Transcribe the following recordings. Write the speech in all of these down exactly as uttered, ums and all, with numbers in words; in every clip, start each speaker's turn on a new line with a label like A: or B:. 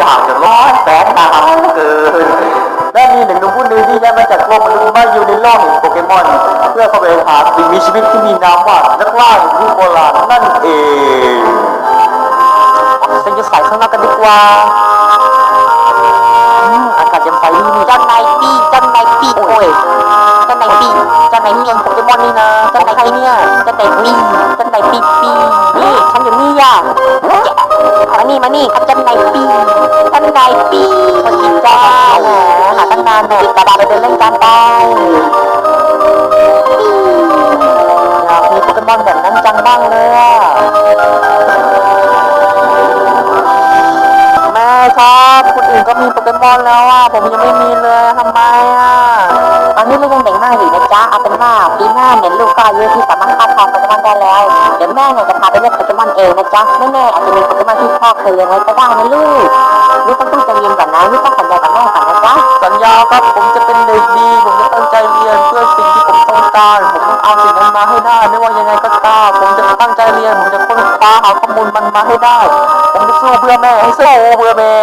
A: างจะร้อนแสนหนาวเกินและมีหนึ่งหนุ่มผู้หนึ่งที่ย้ายมาจากโลกมนุษย์มาอยู่ในโลกแห่งโปเกมอนเพื่อเข้าไปหาสิ่งมีชีวิตที่มีนามว่านักล่าแห่งยุคโบราณนั่นเองฉันจะใส่ข้างนอกกันดีกว่าอากาศยังใสดีนี่เจ้านายปีเจ้านายปีโอ้ยเจ้านายปีเจ้านายเมียงโปเกมอนนี่นะเจ้านายใครเนี่ยเจ้านายปีเจ้านายปีปีนี่ฉันอยู่นี่ย่ะมานี่มานี่เจ้านายปีเจ้านายปีสวัสดีจ้าหาตั้งนานเนี่ยตาบาไปเดินเล่นกันไปอยากมีโปเกมอนแบบนั้นจังบ้างเลยอ่ะแม่ครับคนอื่นก็มีโปเกมอนแล้วอ่ะผมยังไม่มีเลยทำไมอ่ะตอนนี้ลูกยังเด็กมากอยู่นะจ๊ะเอาเป็นว่าปีหน้าเนี่ยลูกก็อายุที่สามารถคาดทองโปเกมอนได้แล้วเดี๋ยวแม่เนี่ยจะพาไปเล่นโปเกมอนเองนะจ๊ะไม่แน่อาจจะมีโปเกมอนที่พ่อเคยเลี้ยงไว้ก็ได้นะลูกลูกต้องตั้งใจเรียนก่อนนะลูกต้องสัญญากับแม่ก่อนนะจ๊ะสัญญาครับผมจะเป็นเด็กดีผมจะตั้งใจเรียนเพื่อสิ่งที่ผมต้องการผมต้องเอาสิ่งนั้นมาให้ได้ไม่ว่ายังไงก็ตามผมจะตั้งใจเรียนผมจะค้นคว้าหาข้อมูลมันมาให้ได้ผมจะสู้เพื่อแม่ให้สู้เพื่อแม่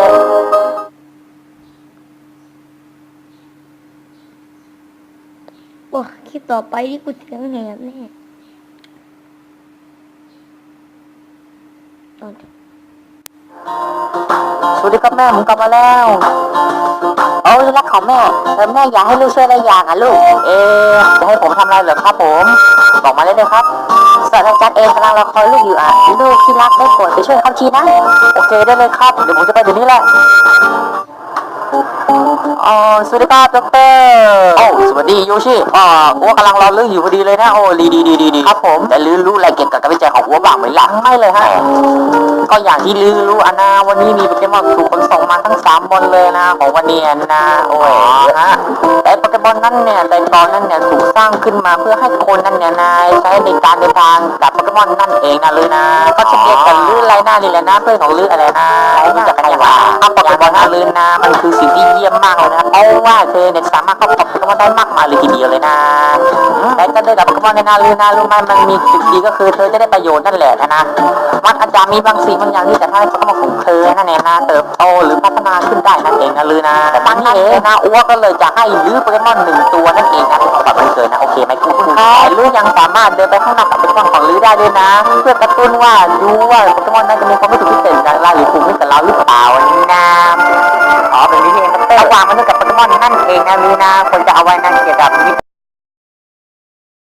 B: โอ้คลิปต่อไปที่กูเสียงแหบแน่ตอน
A: สวัสดีครับแม่ผมกลับมาแล้วโอ้ยรักของแม่แต่แม่อยากให้ลูกช่วยอะไรอย่างอ่ะลูกเอจะให้ผมทำอะไรเหรอครับผมบอกมาเลยเลยครับศาสตราจารย์เองกำลังรอคอยลูกอยู่อ่ะลูกที่รักได้โปรดไปช่วยเขาทีนะโอเคได้เลยครับเดี๋ยวผมจะไปเดี๋ยวนี้แหละอ๋อสวัสดีครับดรโอ้สวัสดีโยชิอ๋ออ้วกำลังรอลืออยู่พอดีเลยนะโอ้ดีดีดีดีดีครับผมแต่ลือรู้อะไรเกี่ยวกับการวิจัยของอ้วบ้างไหมล่ะไม่เลยฮะก็อย่างที่ลือรู้อะนะวันนี้มีโปเกมอนถูกขนส่งมาทั้งสามบนเลยนะของวันนี้นะโอ้ยฮะแต่โปเกมอนนั้นเนี่ยแต่ตอนนั้นเนี่ยถูกสร้างขึ้นมาเพื่อให้คนนั้นเนี่ยนายใช้ในการเดินทางกับโปเกมอนนั่นเองนะลือนะก็จะเรียกกันลือไรหน้านี่แหละนะเพื่อนของลืออะไรนะรู้จักกันอย่างไรเอาโปเกมอนนะลือนะมันคือสิ่งที่เยี่ยมมากเลยนะเพราะว่าเธอเนี่ยสามารถเข้ากับโปเกมอนได้มากมายเลยทีเดียวเลยนะแต่ก็ได้กับโปเกมอนในนาลือนะรู้ไหมมันมีจุดดีก็คือเธอจะได้ประโยชน์นั่นแหละนะมันอาจจะมีบางสิ่งบางอย่างที่จะทำให้โปเกมอนของเธอนั่นเองนะเติบโตหรือพัฒนาขึ้นได้นั่นเองนะลือนะแต่ตอนนี้เองนะอ้วก็เลยจะให้ลือโปเกมอนหนึ่งตัวนั่นเองนะก่อนวันเกิดนะโอเคไหมคุณคุณแต่ลือยังสามารถเดินไปข้างหน้ากับโปเกมอนของลือได้ด้วยนะเพื่อกระตุ้นว่าดูว่าโปเกมอนนั้นจะมีความรู้สึกพิเศษอะไรหรือภูมิกับเราหรือเปล่านะอ๋อเป็นนี้เองระหว่างมนุษย์กับโปเกมอนนั่นเองนะลือนะคนจะเอาไว้นั่นเกี่ยวกับ